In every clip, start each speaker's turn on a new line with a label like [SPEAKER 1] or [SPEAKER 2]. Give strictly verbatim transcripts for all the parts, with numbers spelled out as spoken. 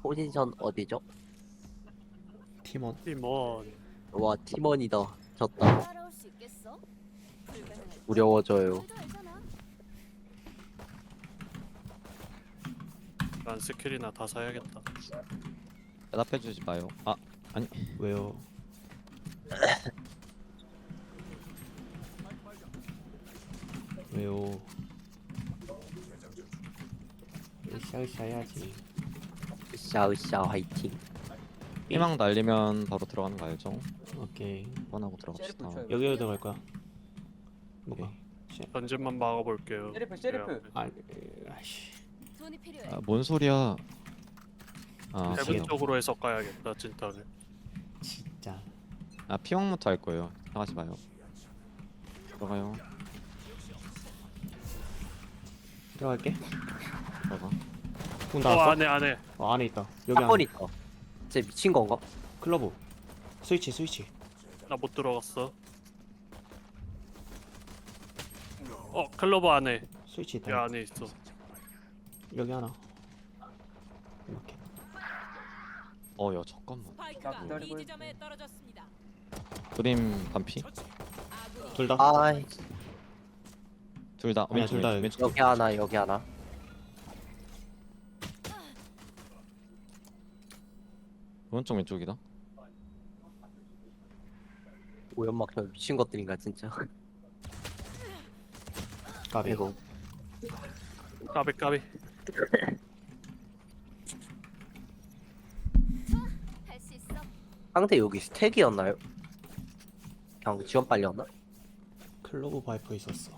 [SPEAKER 1] 포지션 어디죠?
[SPEAKER 2] 팀원.
[SPEAKER 3] 팀원.
[SPEAKER 1] 와 팀원이다. 졌다.
[SPEAKER 4] 따라올 수 있겠어? 불가능할
[SPEAKER 1] 두려워져요.
[SPEAKER 4] 줄도 알잖아.
[SPEAKER 3] 난 스킬이나 다 사야겠다.
[SPEAKER 5] 대답해주지 마요. 아 아니
[SPEAKER 2] 왜요? 왜요? 으쌰으쌰 해야지.
[SPEAKER 1] 으쌰으쌰 화이팅.
[SPEAKER 5] 희망 날리면 바로 들어가는 거 알죠?
[SPEAKER 2] 오케이.
[SPEAKER 5] 뻔하고 들어갑시다.
[SPEAKER 2] 여기로 들어갈 거야. 뭐가?
[SPEAKER 3] 전진만 막아볼게요.
[SPEAKER 6] 셰리프, 셰리프.
[SPEAKER 3] 네.
[SPEAKER 2] 아, 아씨.
[SPEAKER 4] 돈이 필요해.
[SPEAKER 5] 아, 뭔 소리야? 아
[SPEAKER 3] 해븐
[SPEAKER 5] 피망.
[SPEAKER 3] 쪽으로 해서 까야겠다 진짜를.
[SPEAKER 2] 진짜.
[SPEAKER 5] 아 피망부터 할 거예요. 나가지 마요. 들어가요.
[SPEAKER 2] 들어갈게.
[SPEAKER 5] 들어가.
[SPEAKER 2] 문
[SPEAKER 3] 어
[SPEAKER 2] 닫았어?
[SPEAKER 3] 안에 안에.
[SPEAKER 2] 어, 안에 있다. 여기
[SPEAKER 1] 사건
[SPEAKER 2] 안에.
[SPEAKER 1] 있다. 쟤 미친 건가?
[SPEAKER 2] 클러브. 스위치, 스위치.
[SPEAKER 3] 나 못 들어갔어. 어 클로버 안에.
[SPEAKER 2] 스위치
[SPEAKER 3] 이
[SPEAKER 2] 있다.
[SPEAKER 3] 안에 있어.
[SPEAKER 2] 여기 하나. 이렇게.
[SPEAKER 5] 어야 잠깐만.
[SPEAKER 6] 나
[SPEAKER 7] 스파이크가
[SPEAKER 6] 기다리고
[SPEAKER 7] 이 지점에 떨어졌습니다.
[SPEAKER 5] 그림 반피?
[SPEAKER 7] 아군이
[SPEAKER 2] 둘 다.
[SPEAKER 1] 아
[SPEAKER 5] 둘 다.
[SPEAKER 2] 아니야,
[SPEAKER 5] 왼쪽
[SPEAKER 2] 둘 다
[SPEAKER 5] 왼쪽, 왼쪽.
[SPEAKER 1] 여기 하나 여기 하나.
[SPEAKER 5] 오른쪽 왼쪽이다.
[SPEAKER 1] 오연막 저 미친 것들인가 진짜.
[SPEAKER 2] 까비.
[SPEAKER 1] 이거
[SPEAKER 3] 까비 까비.
[SPEAKER 4] 할 수 있어.
[SPEAKER 1] 상대 여기 스택이었나요? 그냥 지원 빨렸나?
[SPEAKER 2] 클로브 바이퍼 있었어.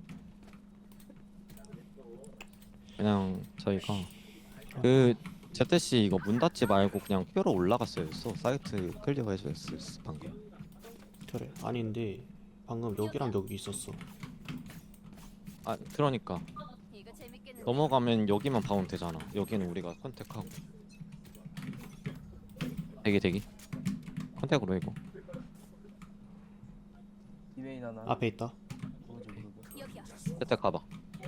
[SPEAKER 5] 그냥 저희가 그 제트씨 이거 문 닫지 말고 그냥 뼈로 올라갔어야 했어. 사이트 클리어 해줘야 했어 방금.
[SPEAKER 2] 그래. 아닌데 방금 여기랑 여기 있었어.
[SPEAKER 5] 아 그러니까
[SPEAKER 4] 이거 재밌겠는데.
[SPEAKER 5] 넘어가면 여기만 바운 되잖아. 여기는 우리가 컨택하고. 대기 대기. 컨택으로 이거.
[SPEAKER 6] 디웨인 하나.
[SPEAKER 2] 앞에 있다.
[SPEAKER 6] 모르지 모르고.
[SPEAKER 4] 여기야.
[SPEAKER 5] 제트 가봐.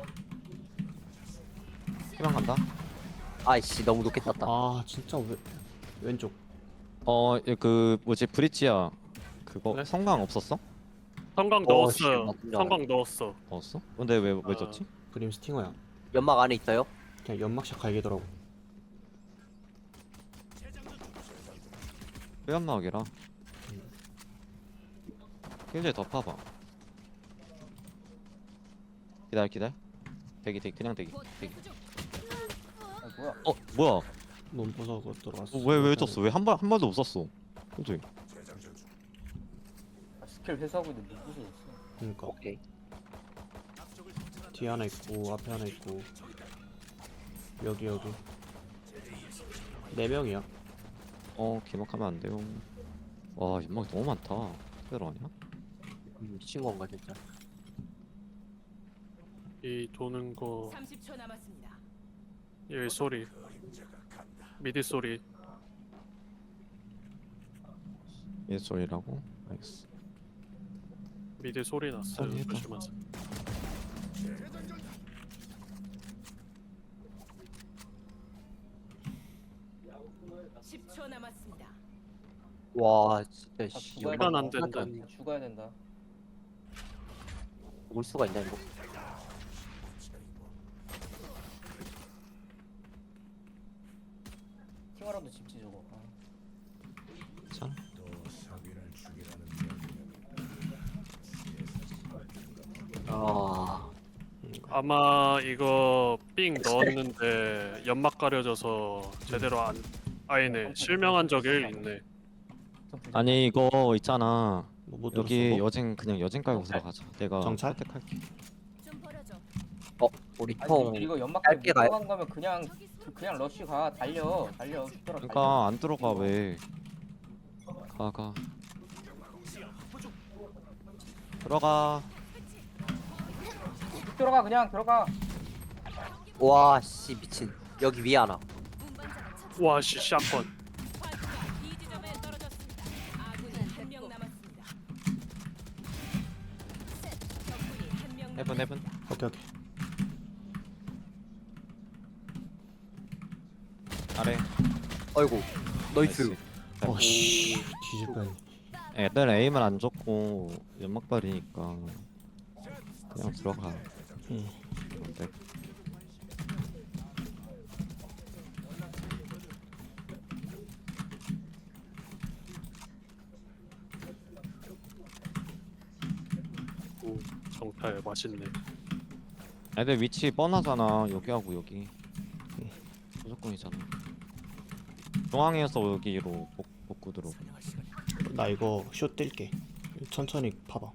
[SPEAKER 5] 희망 간다.
[SPEAKER 1] 아이씨 너무 높게 떴다.
[SPEAKER 2] 아 진짜 왜 왼쪽.
[SPEAKER 5] 어 그 뭐지 브릿지야. 그거
[SPEAKER 3] 네?
[SPEAKER 5] 성광 없었어?
[SPEAKER 3] 성광
[SPEAKER 1] 어, 씨,
[SPEAKER 3] 넣었어.
[SPEAKER 1] 맞다.
[SPEAKER 3] 성광 넣었어.
[SPEAKER 5] 넣었어? 근데 왜 왜
[SPEAKER 3] 아.
[SPEAKER 5] 졌지?
[SPEAKER 2] 그림 스팅어야.
[SPEAKER 1] 연막 안에 있어요?
[SPEAKER 2] 그냥 연막샷 갈기더라고.
[SPEAKER 5] 회연막이라. 킬제 더 파봐. 기다려 기다려. 대기 대기 그냥 대기
[SPEAKER 4] 곧
[SPEAKER 5] 대기.
[SPEAKER 4] 회수 중.
[SPEAKER 6] 아 뭐야?
[SPEAKER 5] 어 뭐야?
[SPEAKER 2] 몸 부서고 들어갔어.
[SPEAKER 5] 왜왜 졌어? 왜 한 발 한 발도 못 쐈어? 그지?
[SPEAKER 6] 아, 스킬 회수하고 있는데 못 부서졌어.
[SPEAKER 2] 그러니까
[SPEAKER 1] 오케이.
[SPEAKER 2] 뒤에 하나 있고 앞에 하나 있고 여기 여기 네 명이야.
[SPEAKER 5] 어 기막하면 안 돼요. 와 연막이 너무 많다. 그대로 아니야?
[SPEAKER 1] 음, 미친 건가 진짜.
[SPEAKER 3] 이 도는 거.
[SPEAKER 7] 삼십 초 남았습니다.
[SPEAKER 3] 여기 소리. 미디 소리.
[SPEAKER 5] 얘 소리라고? 알겠어.
[SPEAKER 3] 미디 소리 났어요.
[SPEAKER 5] 소리 해봐.
[SPEAKER 3] 조심하세요.
[SPEAKER 7] 십 초 남았습니다.
[SPEAKER 1] 와 진짜
[SPEAKER 6] 아,
[SPEAKER 1] 씨.
[SPEAKER 6] 죽어야
[SPEAKER 3] 시간
[SPEAKER 6] 된다.
[SPEAKER 3] 안 된다.
[SPEAKER 1] 하나도
[SPEAKER 6] 죽어야 된다.
[SPEAKER 1] 올 수가 있나 이거?
[SPEAKER 6] 팅어라도 집지 저거. 아.
[SPEAKER 5] 괜찮아?
[SPEAKER 1] 아
[SPEAKER 3] 아마 이거 삥 넣었는데 연막 가려져서 제대로 안. 아니네. 실명한 적이 있네.
[SPEAKER 5] 아니 이거 있잖아.
[SPEAKER 2] 뭐못
[SPEAKER 5] 여기
[SPEAKER 2] 들었어?
[SPEAKER 5] 여진 그냥 여진 깔고
[SPEAKER 6] 정찰?
[SPEAKER 5] 들어가자. 내가
[SPEAKER 2] 정찰?
[SPEAKER 5] 선택할게.
[SPEAKER 4] 좀 버려줘.
[SPEAKER 1] 어 우리
[SPEAKER 6] 아니
[SPEAKER 1] 통
[SPEAKER 6] 근데 이거 연막
[SPEAKER 1] 짧게 가요?
[SPEAKER 6] 들어간 거면 그냥
[SPEAKER 4] 저기 있어.
[SPEAKER 6] 그- 그냥 러쉬 가 달려 달려 죽더라.
[SPEAKER 5] 그러니까 안 들어가 왜? 가 가. 들어가.
[SPEAKER 6] 쭉 들어가 그냥 들어가.
[SPEAKER 1] 와씨 미친. 여기 위에 하나.
[SPEAKER 4] 운반자가 처치.
[SPEAKER 3] 와씨 샷건.
[SPEAKER 7] 스파이크가 이 지점에 떨어졌습니다. 아군이 한 명 남았습니다.
[SPEAKER 4] 셋.
[SPEAKER 7] 적군이 한 명
[SPEAKER 5] 해븐
[SPEAKER 7] 남았습니다.
[SPEAKER 5] 해븐.
[SPEAKER 2] 오케이 오케이.
[SPEAKER 5] 아래.
[SPEAKER 1] 아이고 나이스.
[SPEAKER 5] 나이스.
[SPEAKER 2] 어씨 뒤질 뻔.
[SPEAKER 5] 애들 에임을 안 줬고 연막발이니까 그냥 들어가.
[SPEAKER 2] 응.
[SPEAKER 5] 네.
[SPEAKER 3] 오, 정탈 맛있네.
[SPEAKER 5] 애들 위치 뻔하잖아. 여기하고 여기 무조건이잖아. 중앙에서 여기로 복, 복구 들어.
[SPEAKER 2] 나 이거 쇼 뛸게. 천천히 봐봐.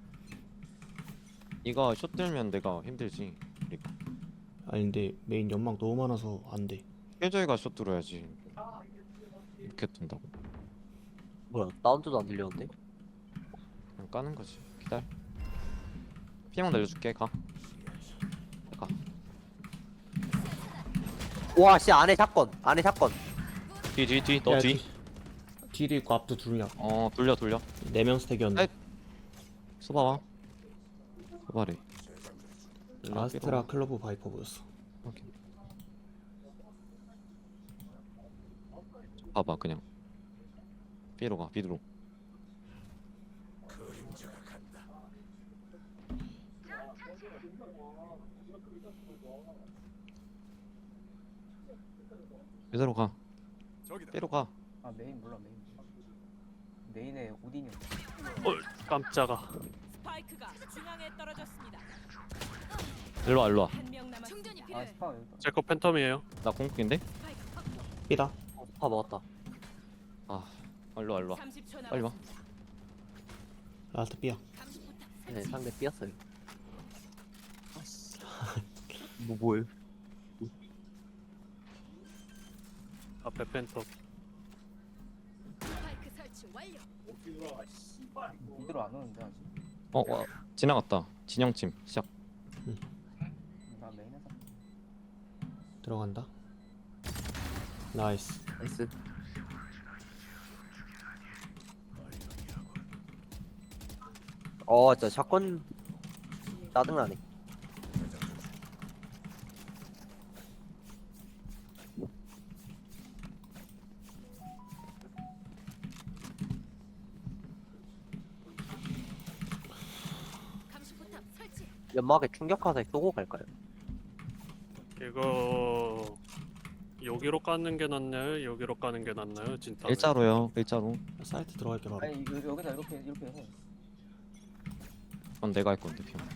[SPEAKER 5] 이거 숏 들면 내가 힘들지. 그러니까
[SPEAKER 2] 아니 근데 메인 연막 너무 많아서 안 돼.
[SPEAKER 5] 깨져이가 숏 들어야지. 이렇게 뜬다고.
[SPEAKER 1] 뭐야 사운드도 안 들렸는데?
[SPEAKER 5] 그냥 까는 거지. 기다려. 피망 날려줄게. 가. 가.
[SPEAKER 1] 와씨 안에 사건 안에 사건.
[SPEAKER 5] 뒤 뒤 뒤. 너
[SPEAKER 2] 야,
[SPEAKER 5] 뒤.
[SPEAKER 2] 뒤- 뒤도 있고 앞도 둘이야.
[SPEAKER 5] 어 돌려 돌려.
[SPEAKER 2] 네 명 스택이었는데.
[SPEAKER 5] 아이. 소바와. 소바래.
[SPEAKER 2] 아스트라 클로브 바이퍼 보였어.
[SPEAKER 5] 오케이. 봐봐 그냥. B로 가. B로. B로 가. B로 가.
[SPEAKER 6] 아 메인 몰라 메인. 메인에 오딘이 없어.
[SPEAKER 3] 어, 깜짝아.
[SPEAKER 7] 스파이크가 중앙에 떨어졌습니다.
[SPEAKER 5] 일로 와 일로 와.
[SPEAKER 7] 한 명 남았습니다.
[SPEAKER 4] 충전이
[SPEAKER 6] 아
[SPEAKER 4] 필요해.
[SPEAKER 6] 스파 여기다.
[SPEAKER 3] 제 거 팬텀이에요.
[SPEAKER 5] 나 공격인데?
[SPEAKER 2] 삐다.
[SPEAKER 1] 어, 파 먹었다.
[SPEAKER 5] 아 일로 와 일로 와.
[SPEAKER 7] 삼십 초
[SPEAKER 5] 빨리 와.
[SPEAKER 7] 남았습니다.
[SPEAKER 2] 라스트 삐야.
[SPEAKER 1] 네 상대 삐었어요. 뭐 뭐예요?
[SPEAKER 3] 앞에 팬텀.
[SPEAKER 4] 스파이크 설치 완료.
[SPEAKER 6] 이대로 안 오는데 아직.
[SPEAKER 5] 어, 와 지나갔다. 진영팀 시작.
[SPEAKER 6] 나 메인에서.
[SPEAKER 2] 들어간다. 나이스.
[SPEAKER 1] 나이스. 어 진짜 사건 짜증나네.
[SPEAKER 4] 감시포탑 설치.
[SPEAKER 1] 연막에 충격화살 쏘고 갈까요?
[SPEAKER 3] 이거 여기로 까는 게 낫나요? 여기로 까는 게 낫나요? 진짜.
[SPEAKER 5] 일자로요. 일자로.
[SPEAKER 2] 사이트 들어갈게 바로.
[SPEAKER 6] 아니 여, 여기다 이렇게 이렇게 해.
[SPEAKER 5] 그럼 내가 할 건데 피망.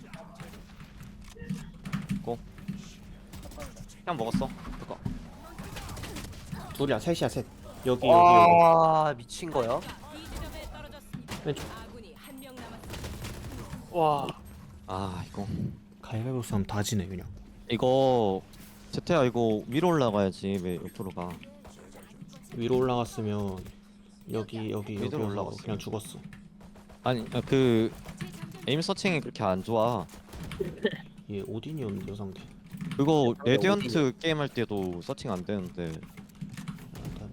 [SPEAKER 5] 고. 피망 먹었어. 그거.
[SPEAKER 2] 둘이야 셋이야 셋. 여기 여기 여기.
[SPEAKER 1] 와 미친 거야?
[SPEAKER 7] 이 지점에 떨어졌습니다.
[SPEAKER 2] 왼쪽.
[SPEAKER 7] 아군이 한 명 남았습니다.
[SPEAKER 3] 와,
[SPEAKER 5] 아 이거.
[SPEAKER 2] 가위바위보 싸움 다 지네 그냥.
[SPEAKER 5] 이거 제태야 이거 위로 올라가야지. 왜 옆으로 가?
[SPEAKER 2] 위로 올라갔으면 여기 여기 여기
[SPEAKER 5] 위로
[SPEAKER 2] 올라가
[SPEAKER 5] 올라갔어.
[SPEAKER 2] 그냥 죽었어.
[SPEAKER 5] 아니 아, 그 에임 서칭이 그렇게 안 좋아.
[SPEAKER 2] 얘 오딘이었는데 상대.
[SPEAKER 5] 그거
[SPEAKER 1] 아,
[SPEAKER 5] 레디언트 게임 할 때도 서칭 안 되는데.
[SPEAKER 2] 일단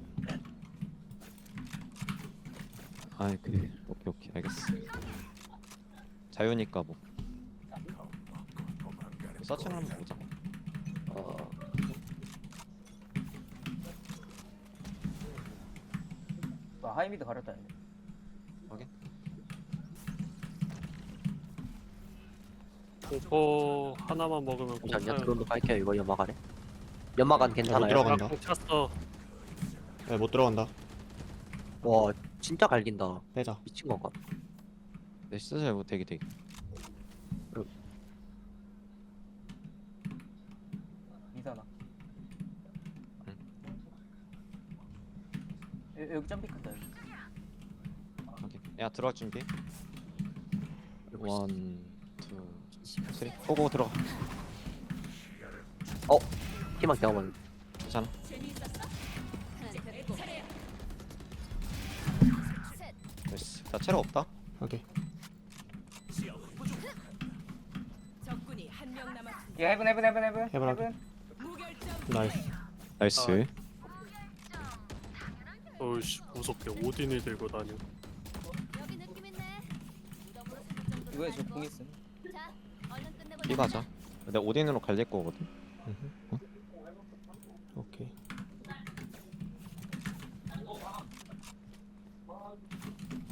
[SPEAKER 5] 아이 그래. 오케이 오케이 알겠어. 자유니까 뭐. 서칭 한번 보자.
[SPEAKER 1] 어,
[SPEAKER 6] 나 하이미드 가렸다. 얘네.
[SPEAKER 5] 확인.
[SPEAKER 3] 공포 하나만 먹으면
[SPEAKER 1] 잠시만요.
[SPEAKER 3] 공포.
[SPEAKER 1] 드론도 깔게요. 이거 연막 안에. 연막 안 괜찮아요?
[SPEAKER 2] 들어가. 들어간다.
[SPEAKER 3] 공 찼어.
[SPEAKER 2] 야, 못 들어간다.
[SPEAKER 1] 와 진짜 갈긴다.
[SPEAKER 2] 빼자.
[SPEAKER 1] 미친 건가?
[SPEAKER 5] 내 시즈 잘못 대기 대기.
[SPEAKER 6] 미사나.
[SPEAKER 5] 응.
[SPEAKER 6] 여, 여기 점픽한다 여기.
[SPEAKER 5] 확인. 야 들어갈 준비. 원, 투, 쓰리. 고고 들어가.
[SPEAKER 1] 희망 경험은
[SPEAKER 5] 괜찮아.
[SPEAKER 7] 재미있었어? 이제 내 차례야.
[SPEAKER 5] 됐어. 나 체력 없다.
[SPEAKER 2] 오케이.
[SPEAKER 7] 적군이 한 명 남았습니다.
[SPEAKER 6] 야 헤븐 헤븐 헤븐 헤븐.
[SPEAKER 2] 헤븐 하게.
[SPEAKER 7] 무결점.
[SPEAKER 2] 나이스.
[SPEAKER 5] 나이스.
[SPEAKER 3] 어이씨 무섭게 오딘이 들고 다녀.
[SPEAKER 4] 여기 느낌 있네. 무덤으로 삼을 정도로
[SPEAKER 6] 이거에 저
[SPEAKER 4] 살고.
[SPEAKER 6] 공 있음.
[SPEAKER 4] 자, 얼른 끝내보자.
[SPEAKER 5] B 가자. 내가 오딘으로 갈릴 거거든.
[SPEAKER 2] 음흠. 오케이.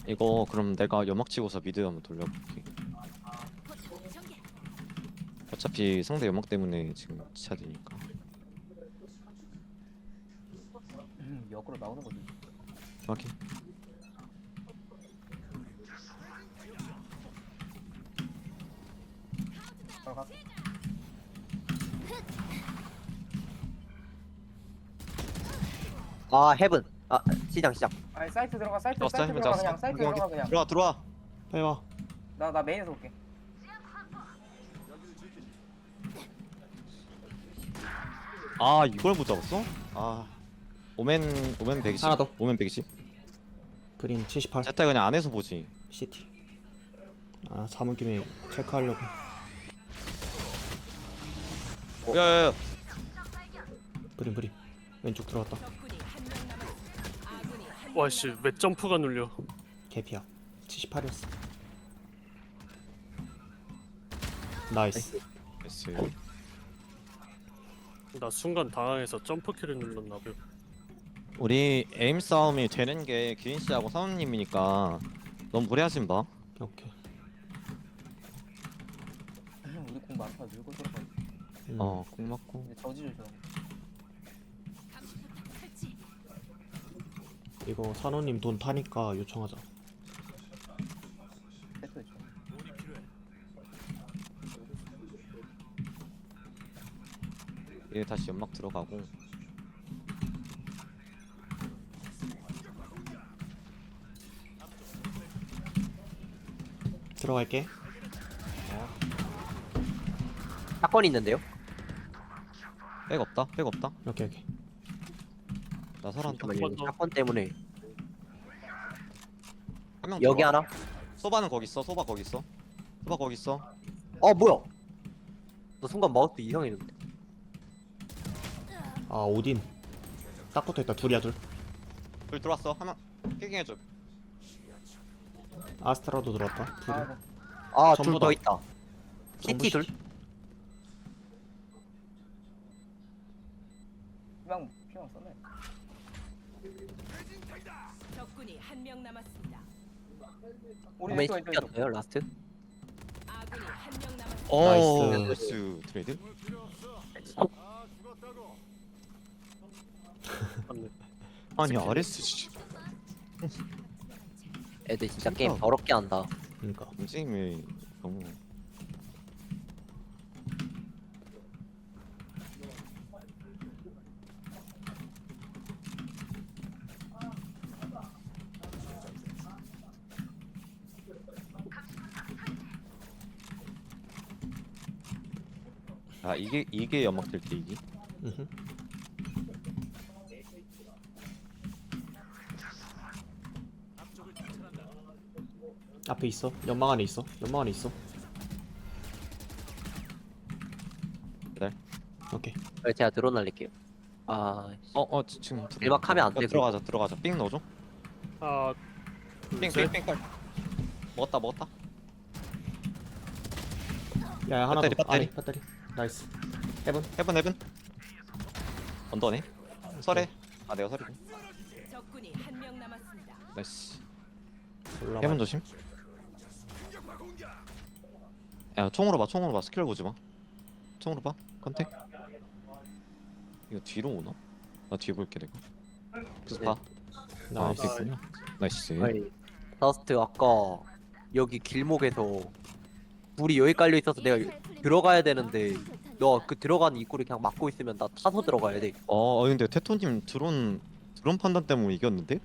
[SPEAKER 5] 이거 그럼 내가 연막 치고서 미드 한번 돌려볼게.
[SPEAKER 4] 포탑 전개.
[SPEAKER 5] 어차피 상대 연막 때문에 지금 지쳐야 되니까.
[SPEAKER 6] 음, 역으로 나오는 거지.
[SPEAKER 5] 확인.
[SPEAKER 6] 들어가.
[SPEAKER 1] 아 헤븐. 아 시장 시장.
[SPEAKER 6] 아니 사이트 들어가 사이트
[SPEAKER 5] 잡았어,
[SPEAKER 6] 사이트
[SPEAKER 5] 힘을
[SPEAKER 6] 들어가
[SPEAKER 5] 잡았어.
[SPEAKER 6] 그냥 사이트
[SPEAKER 5] 확인,
[SPEAKER 6] 들어가
[SPEAKER 5] 확인.
[SPEAKER 6] 그냥.
[SPEAKER 5] 들어와 들어와.
[SPEAKER 2] 빨리 와.
[SPEAKER 6] 나 나 메인에서 올게.
[SPEAKER 5] 아 이걸 못 잡았어? 아 오멘 오멘 백이십.
[SPEAKER 2] 하나 더.
[SPEAKER 5] 오멘 백이십.
[SPEAKER 2] 그린 칠십팔.
[SPEAKER 5] 제타 그냥 안에서 보지.
[SPEAKER 2] 시티. 아 사문 김에 체크하려고.
[SPEAKER 5] 야야야.
[SPEAKER 2] 그린 그린. 왼쪽 들어갔다.
[SPEAKER 7] 적군이 한 명 남았습니다. 아군이 한
[SPEAKER 3] 와씨
[SPEAKER 7] 명
[SPEAKER 3] 왜 점프가 눌려?
[SPEAKER 2] 개피야. 칠십팔이었어. 나이스.
[SPEAKER 5] 나이스.
[SPEAKER 3] 나 순간 당황해서 점프키를 눌렀나 봐.
[SPEAKER 5] 우리 에임 싸움이 되는 게 기린 씨하고 사원님이니까 너무 무리하지 마.
[SPEAKER 2] 오케이.
[SPEAKER 6] 음, 우리 공 많다 밀고 들어가.
[SPEAKER 2] 음.
[SPEAKER 5] 어, 꼭 맞고.
[SPEAKER 6] 이제 저지를 줘.
[SPEAKER 4] 감시포탑 설치.
[SPEAKER 2] 이거 산호님 돈 타니까 요청하자.
[SPEAKER 6] 세트 줘.
[SPEAKER 5] 얘 다시 연막 들어가고.
[SPEAKER 2] 들어갈게.
[SPEAKER 1] 사건 있는데요?
[SPEAKER 5] 백 없다. 백 없다.
[SPEAKER 2] 오케이 오케이.
[SPEAKER 5] 나 살았다.
[SPEAKER 1] 잠깐만요.
[SPEAKER 3] 더.
[SPEAKER 1] 사건 때문에
[SPEAKER 5] 한 명
[SPEAKER 1] 여기
[SPEAKER 5] 들어와.
[SPEAKER 1] 하나.
[SPEAKER 5] 소바는 거기 있어. 소바 거기 있어. 소바 거기 있어.
[SPEAKER 1] 어 뭐야? 너 순간 마우스 이상했는데.
[SPEAKER 2] 아 오딘. 딱 붙어있다. 둘이야 둘.
[SPEAKER 5] 둘 들어왔어. 하나 피킹해줘.
[SPEAKER 2] 아스트라도 들어왔다. 둘이.
[SPEAKER 6] 아, 네.
[SPEAKER 1] 아
[SPEAKER 2] 전부
[SPEAKER 1] 둘
[SPEAKER 2] 다.
[SPEAKER 1] 더 있다.
[SPEAKER 2] 전부
[SPEAKER 1] 시티 둘.
[SPEAKER 2] 시티.
[SPEAKER 6] 피망 피망 썼네.
[SPEAKER 7] 적군이 한 명 남았습니다.
[SPEAKER 6] 우리
[SPEAKER 1] 오멘
[SPEAKER 6] 왼쪽 왼쪽 왼쪽.
[SPEAKER 1] 시티였어요 라스트.
[SPEAKER 7] 아군이 한 명 남았습니다.
[SPEAKER 5] 어,
[SPEAKER 2] 나이스.
[SPEAKER 5] 나이스 트레이드.
[SPEAKER 3] 맞네.
[SPEAKER 5] 아니 아레스 씨.
[SPEAKER 1] 애들 진짜
[SPEAKER 5] 진짜.
[SPEAKER 1] 게임 더럽게 한다.
[SPEAKER 2] 그러니까.
[SPEAKER 5] 움직임이 너무. 아 이게 이게 연막 될 때 이기.
[SPEAKER 2] 음흠. 앞에 있어. 연막 안에 있어. 연막 안에 있어.
[SPEAKER 5] 네.
[SPEAKER 2] 오케이.
[SPEAKER 1] 그래서 제가 드론 날릴게요. 아
[SPEAKER 5] 어어 지금 들어-
[SPEAKER 1] 일박하면 안
[SPEAKER 5] 어,
[SPEAKER 1] 돼,
[SPEAKER 5] 들어가자 들어가자. 삥 넣어줘.
[SPEAKER 3] 아, 둘, 셋.
[SPEAKER 5] 삥삥삥 깔. 먹었다 먹었다.
[SPEAKER 2] 야야 하나
[SPEAKER 5] 배터리,
[SPEAKER 2] 더.
[SPEAKER 5] 배터리.
[SPEAKER 2] 아래 배터리. 나이스. 해븐.
[SPEAKER 5] 헤븐 헤븐. 언더네. 설해. 아 내가 설이고.
[SPEAKER 7] 적군이 한 명 남았습니다.
[SPEAKER 5] 나이스.
[SPEAKER 2] 올라가.
[SPEAKER 5] 헤븐 조심. 야 총으로 봐 총으로 봐 스킬 보지 마. 총으로 봐 컨택. 이거 뒤로 오나? 나 뒤에 볼게 내가. 그래서
[SPEAKER 1] 네.
[SPEAKER 5] 봐. 아
[SPEAKER 2] 나이스.
[SPEAKER 5] 앞에 있구나. 나이스.
[SPEAKER 1] 아니 더스트 아까 여기 길목에서 불이 여기 깔려 있어서 내가 들어가야 되는데 너 그 들어가는 입구를 그냥 막고 있으면 나 타서 들어가야 돼.
[SPEAKER 5] 어, 어 근데 테토님 드론 드론 판단 때문에 이겼는데?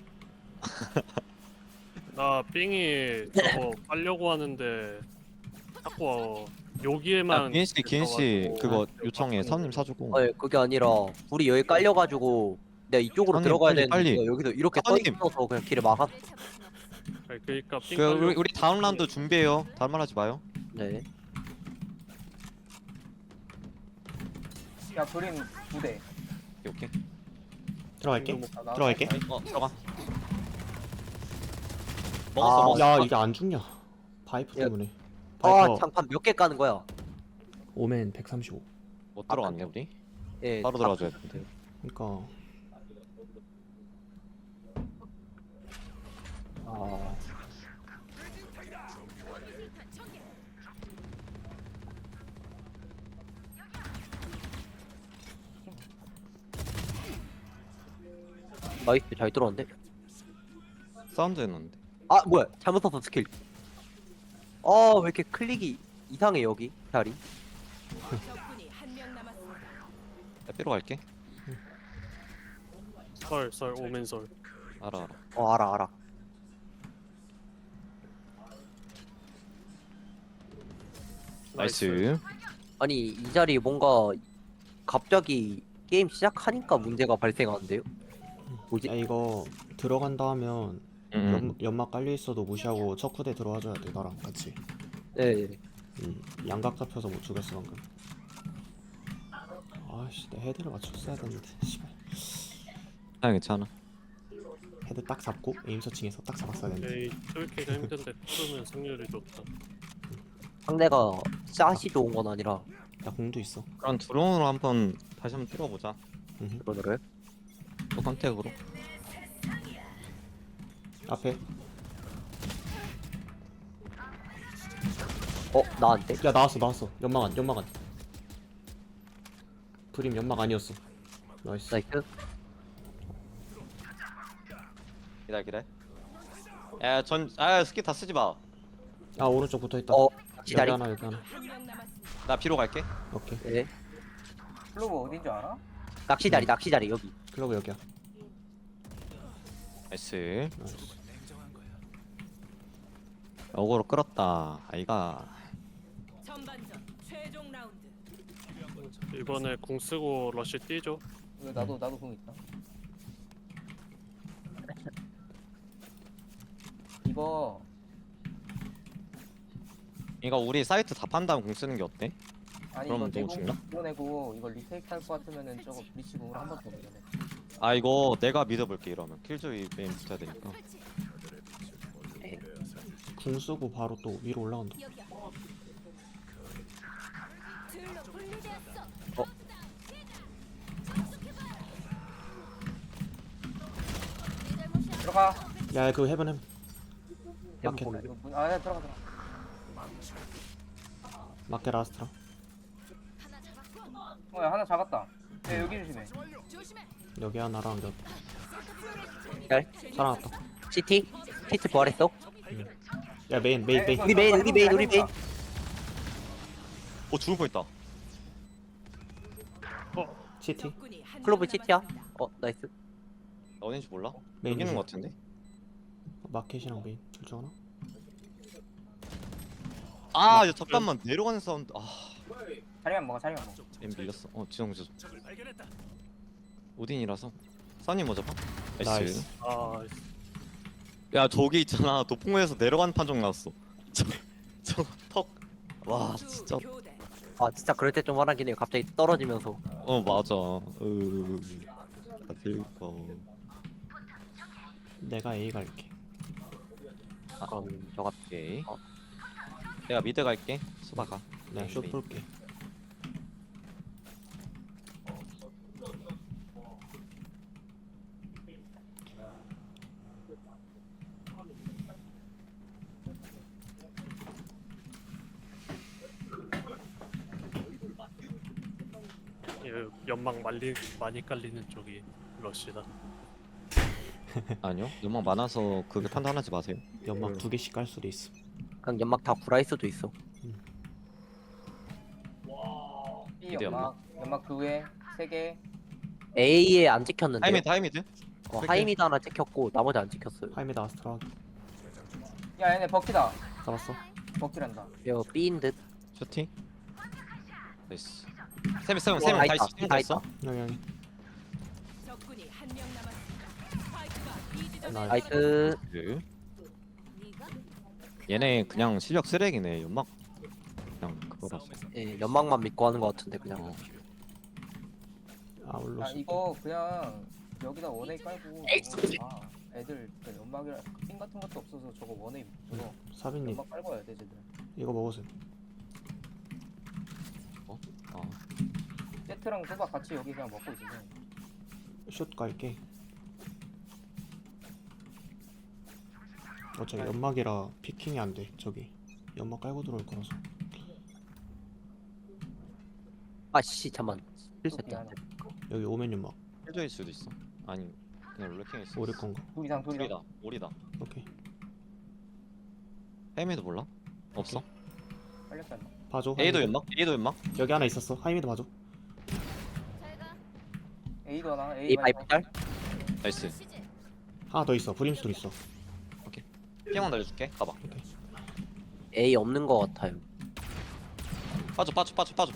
[SPEAKER 3] 나 삥이 저거 빨려고 하는데 자꾸 여기에만.
[SPEAKER 5] 아, 기인 씨, 기인 씨
[SPEAKER 3] 들어가지고
[SPEAKER 5] 그거
[SPEAKER 3] 아,
[SPEAKER 5] 요청해.
[SPEAKER 3] 아,
[SPEAKER 5] 사원님 사주고.
[SPEAKER 1] 아니 그게 아니라 불이 여기 깔려가지고 내가 이쪽으로
[SPEAKER 5] 사장님,
[SPEAKER 1] 들어가야
[SPEAKER 5] 빨리,
[SPEAKER 1] 되는데
[SPEAKER 5] 빨리.
[SPEAKER 1] 내가 여기서 이렇게 떠
[SPEAKER 5] 사장님.
[SPEAKER 1] 있어서 그냥 길을 막았.
[SPEAKER 3] 아니, 그러니까 삥
[SPEAKER 5] 그
[SPEAKER 3] 빨려.
[SPEAKER 5] 우리, 우리 다음 라운드 준비해요. 다른 말 하지 마요.
[SPEAKER 1] 네.
[SPEAKER 6] 야 그린 두 대.
[SPEAKER 5] 오케이 오케이.
[SPEAKER 2] 들어갈게.
[SPEAKER 6] 나- 나-
[SPEAKER 2] 들어갈게.
[SPEAKER 6] 나-
[SPEAKER 5] 어 들어가.
[SPEAKER 1] 아,
[SPEAKER 5] 먹었어 먹었어.
[SPEAKER 2] 야 이게 안 죽냐? 파이프
[SPEAKER 1] 야.
[SPEAKER 2] 때문에.
[SPEAKER 1] 아
[SPEAKER 2] 파이퍼
[SPEAKER 1] 장판 몇 개 까는 거야?
[SPEAKER 2] 오멘 백삼십오.
[SPEAKER 5] 못 들어갔네 우리.
[SPEAKER 1] 예.
[SPEAKER 5] 바로 들어가줘야 돼.
[SPEAKER 2] 그러니까
[SPEAKER 1] 아 나이스 잘 들어왔는데?
[SPEAKER 5] 사운드 해놨는데.
[SPEAKER 1] 아 뭐야 잘못 썼어 스킬. 아왜 이렇게 클릭이 이상해 여기 자리.
[SPEAKER 7] 적군이 한 명 남았습니다.
[SPEAKER 5] 야, 삐로 갈게.
[SPEAKER 3] 설, 설, 오멘 설.
[SPEAKER 5] 알아 알아.
[SPEAKER 1] 어 알아 알아.
[SPEAKER 5] 나이스.
[SPEAKER 1] 아니 이 자리 뭔가 갑자기 게임 시작하니까 문제가 발생하는데요? 뭐지?
[SPEAKER 2] 야 이거 들어간다 하면
[SPEAKER 5] 응.
[SPEAKER 2] 연, 연막 깔려 있어도 무시하고 첫 쿠대 들어와줘야 돼 나랑 같이.
[SPEAKER 1] 네.
[SPEAKER 2] 음, 양각 잡혀서 못 죽였어 방금. 아씨 내 헤드를 맞췄어야 되는데 씨발.
[SPEAKER 5] 아 괜찮아.
[SPEAKER 2] 헤드 딱 잡고 에임 서칭해서 딱 잡았어야 되는데.
[SPEAKER 3] 에이, 뚫기가 힘든데 뚫으면 승률이 좋다.
[SPEAKER 1] 상대가 샷이 좋은 건 아니라
[SPEAKER 2] 나 공도 있어.
[SPEAKER 5] 그럼 드론으로 한번 다시 한번 뚫어보자.
[SPEAKER 2] 음.
[SPEAKER 1] 그거를
[SPEAKER 5] 또 컨택으로.
[SPEAKER 2] 앞에.
[SPEAKER 1] 어 나한테?
[SPEAKER 2] 야 나왔어 나왔어. 연막 안 연막 안. 브림 연막 아니었어. 나이스.
[SPEAKER 1] 나이스.
[SPEAKER 5] 기다려 기다려. 야전아 스킬 다 쓰지 마.
[SPEAKER 2] 아 오른쪽 붙어 있다.
[SPEAKER 1] 어
[SPEAKER 2] 여기
[SPEAKER 1] 기다리.
[SPEAKER 2] 하나 여기 하나.
[SPEAKER 7] 한 명 남았습니다.
[SPEAKER 5] 나 비로 갈게.
[SPEAKER 2] 오케이.
[SPEAKER 1] 네.
[SPEAKER 6] 클로버 어딘 줄 알아?
[SPEAKER 1] 낚시 자리 낚시 자리 여기.
[SPEAKER 2] 클로브 여기야.
[SPEAKER 5] 나이스.
[SPEAKER 2] 나이스.
[SPEAKER 5] 어그로 끌었다. 아이가.
[SPEAKER 7] 전반전 최종 라운드.
[SPEAKER 3] 이번에 궁 쓰고 러쉬 뛰죠.
[SPEAKER 6] 이거 나도 나도 공 있다. 이거
[SPEAKER 5] 이거 우리 사이트 다 판 다음 공 쓰는 게 어때?
[SPEAKER 6] 아니
[SPEAKER 5] 그럼
[SPEAKER 6] 이거
[SPEAKER 5] 너무 죽나?
[SPEAKER 6] 내공 보내고 이거 리테이크 할 것 같으면은 저거 브리치 공으로 한 번 더 보내.
[SPEAKER 5] 아 이거 내가 믿어볼게 이러면 킬조이 메인 붙어야 되니까.
[SPEAKER 2] 궁 쓰고 바로 또 위로 올라간다.
[SPEAKER 4] 여기야. 둘로 분리되었어.
[SPEAKER 1] 어?
[SPEAKER 4] 네 잘못이야.
[SPEAKER 6] 들어가.
[SPEAKER 2] 야 그 헤븐 헤븐. 마켓
[SPEAKER 1] 보내.
[SPEAKER 6] 이거 문- 아 야, 들어가 들어가.
[SPEAKER 2] 마켓 라스트라.
[SPEAKER 4] 하나 잡았고.
[SPEAKER 6] 어야 하나 잡았다. 야 여기 조심해.
[SPEAKER 4] 조심해.
[SPEAKER 2] 여기 하나랑 여
[SPEAKER 1] 잘.
[SPEAKER 2] 살아났다.
[SPEAKER 1] 시티? 시티 부활했어?
[SPEAKER 2] 야 메인 메인 메인.
[SPEAKER 1] 우리 메인 우리 메인 우리 메인.
[SPEAKER 5] 어 죽을 뻔했다.
[SPEAKER 2] 시티
[SPEAKER 7] 적군이 한
[SPEAKER 1] 클로브
[SPEAKER 7] 명
[SPEAKER 1] 시티야?
[SPEAKER 7] 남았습니다.
[SPEAKER 1] 어 나이스.
[SPEAKER 5] 어딘지 몰라?
[SPEAKER 2] 메인
[SPEAKER 5] 여기 있는 거
[SPEAKER 2] 조심.
[SPEAKER 5] 같은데?
[SPEAKER 2] 마켓이랑 메인 둘 중 하나.
[SPEAKER 5] 아 야, 잠깐만 내려가는 사운드. 아
[SPEAKER 6] 자리만 먹어 자리만 먹어.
[SPEAKER 5] M 밀렸어. 어 지성 지성. 오딘이라서. 써니 먼저 봐. 나이스.
[SPEAKER 2] 나이스.
[SPEAKER 3] 아,
[SPEAKER 5] 야 저기 있잖아 도풍에서 내려가는 판정 나왔어. 저 턱. 와 진짜.
[SPEAKER 7] 교대.
[SPEAKER 1] 아 진짜 그럴 때 좀 화나긴 해요. 갑자기 떨어지면서.
[SPEAKER 5] 어 맞아. 으. 나 들고.
[SPEAKER 2] 내가 A 갈게.
[SPEAKER 5] 아,
[SPEAKER 1] 그럼 저가
[SPEAKER 5] 오케이.
[SPEAKER 1] 어.
[SPEAKER 5] 내가 미드 갈게. 수바가.
[SPEAKER 2] 내가 슛 볼게.
[SPEAKER 3] 예, 연막 말리 많이 깔리는 쪽이 러쉬다.
[SPEAKER 5] 아니요. 연막 많아서 그게 판단하지 마세요.
[SPEAKER 2] 연막 두 개씩 깔 수도 있어.
[SPEAKER 1] 그냥 연막 다 구라일 수도 있어.
[SPEAKER 6] B
[SPEAKER 5] 미드
[SPEAKER 6] 연막 연막 그 위에 세 개.
[SPEAKER 1] A에 안 찍혔는데.
[SPEAKER 5] 하이미드 하이미드.
[SPEAKER 1] 어, 하이미드 하나 찍혔고 나머지 안 찍혔어요.
[SPEAKER 2] 하이메드 아스트라
[SPEAKER 6] 야 얘네 버키다.
[SPEAKER 2] 잡았어.
[SPEAKER 6] 버키란다.
[SPEAKER 1] 이거 B인 듯.
[SPEAKER 5] 슈팅. 나이스. 세명 세명
[SPEAKER 1] 어,
[SPEAKER 5] 세명
[SPEAKER 1] 다
[SPEAKER 5] 다
[SPEAKER 1] 있다,
[SPEAKER 5] 있어. 세명
[SPEAKER 1] 다
[SPEAKER 5] 다 있어.
[SPEAKER 2] 여기 여기.
[SPEAKER 7] 적군이 한 명 남았습니다. 스파이크가 B 지점에
[SPEAKER 2] 나이스.
[SPEAKER 1] 나이스.
[SPEAKER 5] 그
[SPEAKER 4] 네가
[SPEAKER 5] 얘네 그냥 실력 쓰레기네. 연막 그냥 그거라서.
[SPEAKER 1] 예, 연막만 믿고 하는 것 같은데 그냥.
[SPEAKER 5] 어.
[SPEAKER 2] 아울로.
[SPEAKER 6] 아 이거 그냥 여기다 원웨이 깔고 저거 아 애들 그 연막이랑 핀 같은 것도 없어서 저거 원웨이 저거
[SPEAKER 2] 사빈님
[SPEAKER 6] 연막 깔고 와야 돼 쟤들.
[SPEAKER 2] 이거 먹으세요.
[SPEAKER 5] 아.
[SPEAKER 6] 세트랑 소박 같이 여기 그냥 먹고 있으면
[SPEAKER 2] 슛 갈게. 어차피 연막이라 피킹이 안 돼. 저기 연막 깔고 들어올 거라서.
[SPEAKER 1] 아씨 잠만
[SPEAKER 6] 또
[SPEAKER 1] 실수했다.
[SPEAKER 6] 미안해.
[SPEAKER 2] 여기 오면 연막.
[SPEAKER 5] 힐조일 수도 있어. 아니 그냥 롤렉킹일 수도
[SPEAKER 2] 오릴
[SPEAKER 5] 있어.
[SPEAKER 2] 건가?
[SPEAKER 6] 둘 이상 둘 이상.
[SPEAKER 5] 오리다. 오리다.
[SPEAKER 2] 오케이.
[SPEAKER 5] 헤미도 몰라? 없어?
[SPEAKER 6] 빨리 뺐나?
[SPEAKER 2] 봐줘.
[SPEAKER 5] A도
[SPEAKER 2] 하이미드.
[SPEAKER 5] 연막? A도 연막?
[SPEAKER 2] 여기 하나 있었어. 하이미드 봐줘.
[SPEAKER 4] 잘가.
[SPEAKER 6] A도 하나. A
[SPEAKER 1] A 바이프 짤?
[SPEAKER 5] 나이스.
[SPEAKER 2] 하나 더 있어. 브림스톤 있어.
[SPEAKER 5] 피만 날려줄게. 가봐.
[SPEAKER 1] A 없는 거 같아요.
[SPEAKER 5] 빠져 빠져 빠져 빠져.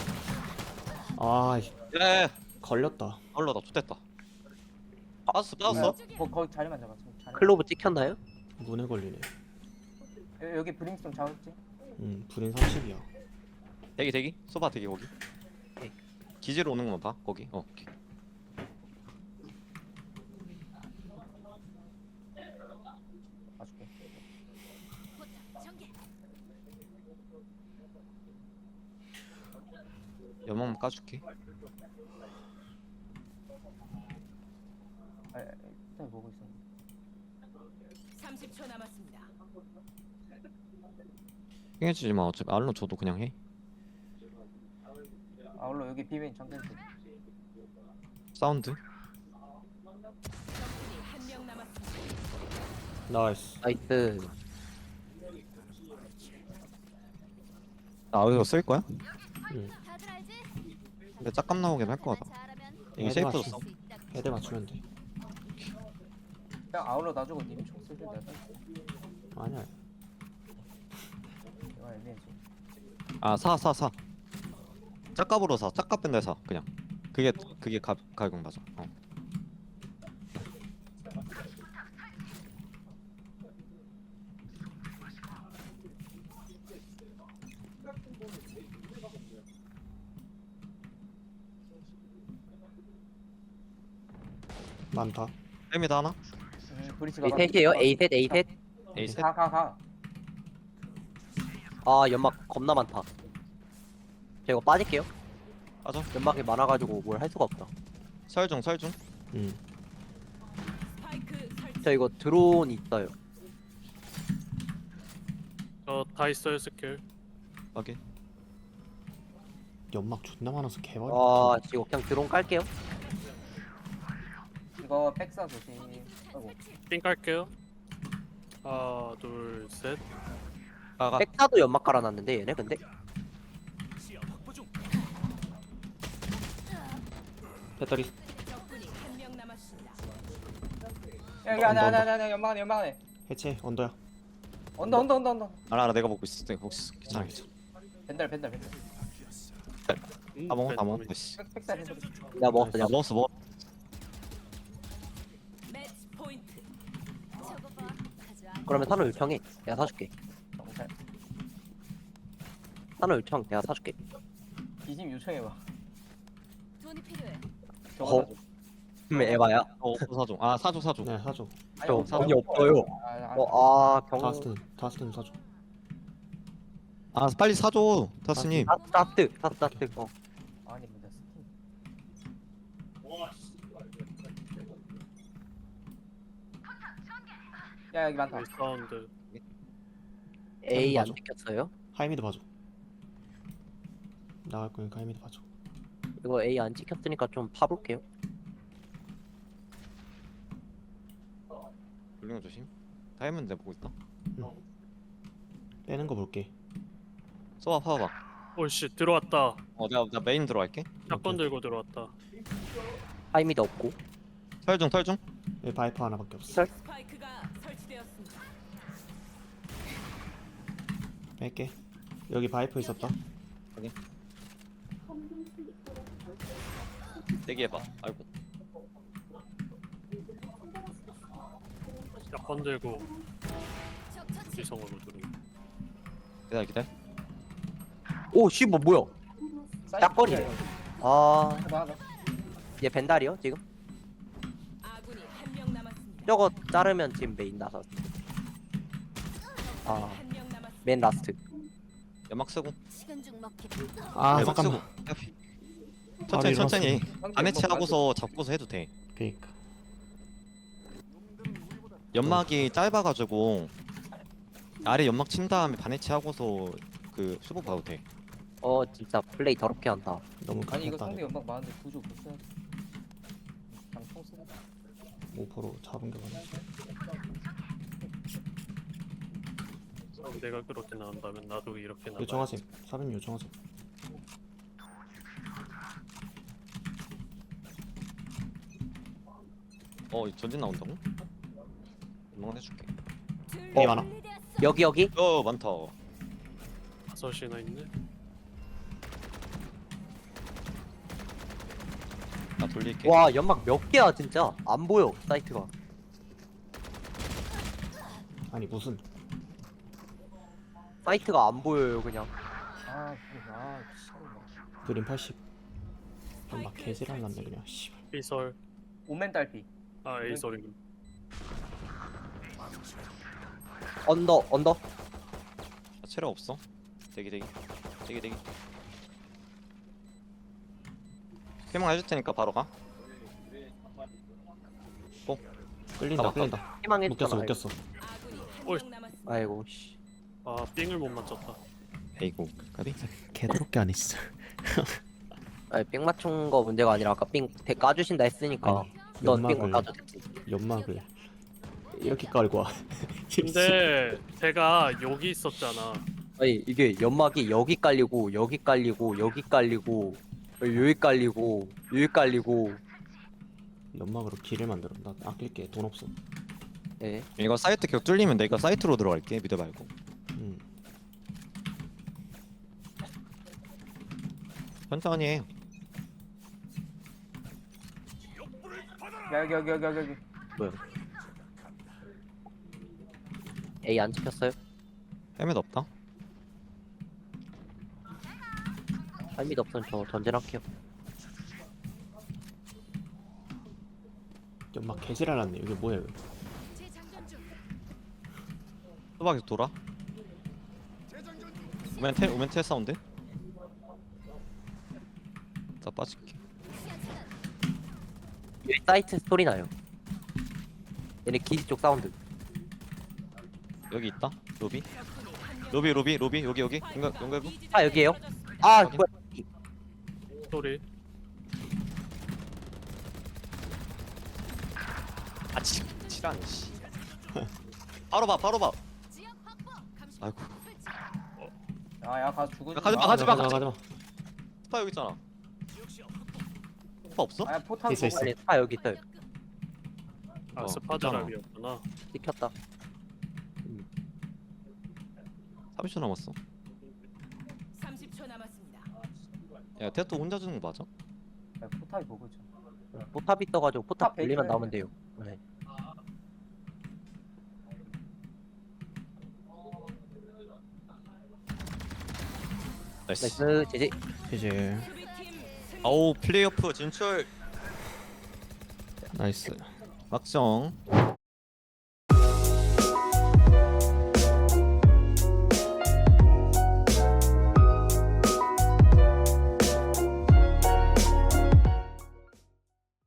[SPEAKER 2] 아
[SPEAKER 5] 예.
[SPEAKER 2] 걸렸다.
[SPEAKER 5] 얼러다 좋됐다. 빠졌어 빠졌어.
[SPEAKER 6] 거, 거기 자리만 잡아. 자리.
[SPEAKER 1] 클로브 찍혔나요?
[SPEAKER 2] 문에 걸리네.
[SPEAKER 6] 여- 여기 브림스톤 잡았지?
[SPEAKER 2] 음 불인 삼십이야.
[SPEAKER 5] 대기 대기. 소바 대기 거기.
[SPEAKER 1] 오케이.
[SPEAKER 5] 기지로 오는 것만 봐. 거기. 어. 오케이.
[SPEAKER 6] 봐줄게.
[SPEAKER 4] 포탑 전개.
[SPEAKER 5] 연막만 까줄게.
[SPEAKER 6] 아, 아, 일단 보고 있어.
[SPEAKER 7] 삼십 초 남았습니다.
[SPEAKER 5] 핑해주지 마. 어차피 알로 줘도 그냥 해.
[SPEAKER 6] 아울러 여기 비메인 장전 중.
[SPEAKER 5] 사운드.
[SPEAKER 7] 적군이 한 명 남았습니다.
[SPEAKER 2] 나이스.
[SPEAKER 1] 나이스.
[SPEAKER 5] 나 어디서 쓸 거야?
[SPEAKER 2] 응.
[SPEAKER 4] 다들 알지?
[SPEAKER 5] 근데 짝감 나오긴 할 거 같아.
[SPEAKER 4] 잘하면
[SPEAKER 5] 이게
[SPEAKER 2] 헤드
[SPEAKER 5] 세이프도
[SPEAKER 2] 맞추-
[SPEAKER 5] 써.
[SPEAKER 4] 할수 있다.
[SPEAKER 2] 헤드 맞추면 돼.
[SPEAKER 6] 그냥 아울러 놔주고 님이 총 쓰실 때가
[SPEAKER 2] 아니야.
[SPEAKER 6] 내가 애매해서.
[SPEAKER 5] 아 사 사 사. 짝값으로 사. 짝값 뺀데 사. 그냥. 그게 그게 가 가격 맞아. 어.
[SPEAKER 2] 많다.
[SPEAKER 5] 햄이다 하나?
[SPEAKER 6] 음, 브리치가
[SPEAKER 1] A 셋이에요? A 셋 A 셋.
[SPEAKER 5] A 셋.
[SPEAKER 6] 가, 가, 가.
[SPEAKER 1] 아 연막 겁나 많다. 저 이거 빠질게요.
[SPEAKER 5] 빠져.
[SPEAKER 1] 연막이 많아가지고 뭘 할 수가 없다.
[SPEAKER 5] 설중 설중.
[SPEAKER 2] 음.
[SPEAKER 7] 스파이크 설치.
[SPEAKER 1] 저 이거 드론 있어요.
[SPEAKER 3] 저 다 있어요 스킬.
[SPEAKER 5] 확인.
[SPEAKER 2] 연막 존나 많아서 개발.
[SPEAKER 1] 아 이거 그냥 드론 깔게요.
[SPEAKER 6] 이거 백사 조심. 아이고.
[SPEAKER 3] 삥 깔게요. 하나 둘 셋.
[SPEAKER 5] 가가.
[SPEAKER 1] 백사도 연막 깔아놨는데 얘네 근데
[SPEAKER 2] 배터리.
[SPEAKER 7] 적군이 한 명 남았습니다.
[SPEAKER 6] 야, 여기 안에, 안에, 안에, 안에, 연막 안에, 연막 안에.
[SPEAKER 2] 해체. 언더야.
[SPEAKER 6] 언더, 언더, 언더, 언더.
[SPEAKER 5] 알아 알아 내가 먹고 있어. 내가 먹고 있어. 괜찮아 괜찮아.
[SPEAKER 6] 벤달, 벤달, 벤달.
[SPEAKER 3] 음,
[SPEAKER 5] 다 먹어 다 먹어.
[SPEAKER 3] 벤더민.
[SPEAKER 5] 씨.
[SPEAKER 6] 백, 백사, 벤달.
[SPEAKER 1] 내가 먹었어.
[SPEAKER 5] 아,
[SPEAKER 1] 내가
[SPEAKER 5] 먹었어 먹어.
[SPEAKER 7] 매치 포인트.
[SPEAKER 4] 저거 봐. 가져와.
[SPEAKER 1] 그러면 산호 요청해. 내가 사줄게.
[SPEAKER 6] 경찰.
[SPEAKER 1] 산호 요청 내가 사줄게.
[SPEAKER 6] 기심 요청해봐.
[SPEAKER 4] 돈이 필요해.
[SPEAKER 6] 저거
[SPEAKER 1] 어? 음 에바야.
[SPEAKER 5] 어 사줘. 아 사줘 사줘.
[SPEAKER 2] 네 사줘.
[SPEAKER 6] 아니,
[SPEAKER 1] 저
[SPEAKER 6] 없어,
[SPEAKER 1] 돈이
[SPEAKER 6] 없어.
[SPEAKER 1] 없어요.
[SPEAKER 6] 아, 아,
[SPEAKER 1] 어아 경.
[SPEAKER 2] 다스틴. 다스틴 사줘.
[SPEAKER 5] 아 빨리 사줘 타스님.
[SPEAKER 1] 아, 따뜻 따뜻 따뜻. 어.
[SPEAKER 6] 아니, 뭐냐, 스팀. 야, 여기 많다.
[SPEAKER 3] 이 사운드.
[SPEAKER 1] A 안
[SPEAKER 2] 맞아.
[SPEAKER 1] 찍혔어요?
[SPEAKER 2] 하이미드 봐줘. 나갈 거니까 하이미드 봐줘.
[SPEAKER 1] 이거 A 안 찍혔으니까 좀 파볼게요.
[SPEAKER 5] 돌리는 거 조심. 타이밍 내 보고 있다.
[SPEAKER 2] 빼는 거 볼게.
[SPEAKER 5] 쏘아 파봐.
[SPEAKER 3] 오씨 들어왔다.
[SPEAKER 5] 어 내가 나 메인 들어갈게.
[SPEAKER 3] 샷건 들고 들어왔다.
[SPEAKER 1] 타이미도 없고.
[SPEAKER 5] 설중 설중.
[SPEAKER 2] 여기 바이퍼 하나밖에 없어.
[SPEAKER 1] 설.
[SPEAKER 7] 스파이크가 설치되었습니다.
[SPEAKER 2] 뺄게. 여기 바이퍼 있었다.
[SPEAKER 5] 대기해봐. 아이고.
[SPEAKER 3] 샷건 들고
[SPEAKER 4] 적 처치.
[SPEAKER 3] 지성으로 들어.
[SPEAKER 5] 기다려 기다려.
[SPEAKER 1] 오 씨 뭐 뭐야? 짝거리네. 아,
[SPEAKER 6] 하나, 하나.
[SPEAKER 1] 얘 벤달이요 지금?
[SPEAKER 7] 아군이 한 명 남았습니다.
[SPEAKER 1] 저거 자르면 지금 메인 나서. 아,
[SPEAKER 7] 한 명 남았습니다.
[SPEAKER 1] 맨 라스트.
[SPEAKER 5] 연막 쓰고.
[SPEAKER 4] 시간 중 먹기.
[SPEAKER 2] 아
[SPEAKER 5] 연막
[SPEAKER 2] 잠깐만.
[SPEAKER 5] 쓰고.
[SPEAKER 2] 바로
[SPEAKER 5] 천천히
[SPEAKER 2] 일어났어.
[SPEAKER 5] 천천히.
[SPEAKER 6] 상대
[SPEAKER 5] 안에
[SPEAKER 6] 뭐
[SPEAKER 5] 채하고서 잡고서 해도 돼.
[SPEAKER 2] 그니까.
[SPEAKER 5] 연막이 짧아가지고 아래 연막 친 다음에 반해치 하고서 그 슈퍼 봐도 돼.
[SPEAKER 1] 어 진짜 플레이 더럽게 한다.
[SPEAKER 2] 너무
[SPEAKER 6] 아니 이거
[SPEAKER 2] 급했다.
[SPEAKER 6] 상대 연막 많은데 구조 못 써야 돼. 그냥 총 쓰고.
[SPEAKER 2] 오퍼로 잡은 게 많지.
[SPEAKER 3] 내가 그렇게 나온다면 나도 이렇게 나가.
[SPEAKER 2] 요청하세요. 사람 요청하세요.
[SPEAKER 5] 어 전진 나온다고? 연막 해줄게.
[SPEAKER 2] 어 많아.
[SPEAKER 1] 여기 여기.
[SPEAKER 5] 어 많다.
[SPEAKER 3] 다섯이나 있네.
[SPEAKER 5] 나 돌릴게.
[SPEAKER 1] 와 연막 몇 개야 진짜. 안 보여 사이트가.
[SPEAKER 2] 아니 무슨
[SPEAKER 1] 사이트가 안 보여요 그냥.
[SPEAKER 6] 아 그래 아 씨발.
[SPEAKER 2] 그림 팔십. 막 개지랄 났네 그냥. 씨.
[SPEAKER 3] B설.
[SPEAKER 6] 오멘 딸피.
[SPEAKER 3] 아 A설이.
[SPEAKER 1] 언더 언더.
[SPEAKER 5] 아, 체력 없어. 대기 대기. 대기 대기. 해몽 해줄 테니까 바로 가.
[SPEAKER 2] 끌린다
[SPEAKER 5] 잡았다.
[SPEAKER 2] 끌린다.
[SPEAKER 1] 희망했잖아.
[SPEAKER 2] 묶였어 묶였어.
[SPEAKER 7] 아군이
[SPEAKER 3] 어이.
[SPEAKER 7] 한 명 남았습니다.
[SPEAKER 1] 아이고 씨.
[SPEAKER 3] 아 삥을 못 맞췄다.
[SPEAKER 5] 에이고 까비.
[SPEAKER 2] 개더럽게 안 했어.
[SPEAKER 1] 아니 삥 맞춘 거 문제가 아니라 아까 삥 대 까주신다 했으니까
[SPEAKER 2] 아니,
[SPEAKER 1] 넌 삥
[SPEAKER 2] 연막을
[SPEAKER 1] 못 까도 됐지.
[SPEAKER 2] 연막을 이렇게 깔고 와.
[SPEAKER 3] 근데 제가 여기 있었잖아.
[SPEAKER 1] 아니 이게 연막이 여기 깔리고 여기 깔리고 여기 깔리고 여기 깔리고 여기 깔리고.
[SPEAKER 2] 연막으로 길을 만들어. 나 아낄게. 돈 없어.
[SPEAKER 1] 예.
[SPEAKER 5] 이거 사이트 계속 뚫리면 내가 사이트로 들어갈게. 미드 말고.
[SPEAKER 2] 음.
[SPEAKER 5] 천천히 해.
[SPEAKER 6] 야 여기 여기 여기 여기 여기.
[SPEAKER 1] A 안 찍혔어요?
[SPEAKER 5] 헬멧 없다.
[SPEAKER 1] 할밋 없으면 저 전진할게요.
[SPEAKER 2] 연막 개지랄 났네. 이게 뭐야 이거.
[SPEAKER 5] 수박에서 돌아. 오멘 텔 오멘 텔 사운드. 나 빠질게.
[SPEAKER 1] 여기 사이트 소리 나요. 얘네 기지 쪽 사운드.
[SPEAKER 5] 여기 있다. 로비. 로비 로비 로비 여기 여기. 연결 연결부.
[SPEAKER 1] 아, 여기에요? 아
[SPEAKER 5] 확인.
[SPEAKER 1] 뭐야?
[SPEAKER 3] 소리.
[SPEAKER 5] 아 치. 치라니 씨. 바로 봐 바로 봐. 아이고.
[SPEAKER 6] 야야 가서 죽어.
[SPEAKER 5] 야, 가지마, 가지마.
[SPEAKER 2] 가지마 가지마.
[SPEAKER 5] 스파 여기 있잖아. 스파 없어?
[SPEAKER 6] 아야 포탄
[SPEAKER 2] 있어,
[SPEAKER 6] 보고.
[SPEAKER 2] 있어.
[SPEAKER 1] 아니 아 여기 있어요.
[SPEAKER 3] 아
[SPEAKER 5] 어,
[SPEAKER 3] 스파드랍이었구나.
[SPEAKER 1] 찍혔다.
[SPEAKER 5] 삼십 초 남았어.
[SPEAKER 7] 삼십 초 남았습니다.
[SPEAKER 5] 야 테토 혼자 주는 거 맞아?
[SPEAKER 6] 야, 포탑이 보고 있죠.
[SPEAKER 1] 포탑이 떠가지고 포탑
[SPEAKER 6] 포탑
[SPEAKER 1] 돌리면
[SPEAKER 6] 베이커야.
[SPEAKER 1] 나오면 돼요. 네.
[SPEAKER 5] 나이스.
[SPEAKER 1] 나이스 제제.
[SPEAKER 2] 이제
[SPEAKER 7] 수비팀 승리.
[SPEAKER 5] 아우 플레이오프 진출.
[SPEAKER 2] 나이스.
[SPEAKER 5] 막정.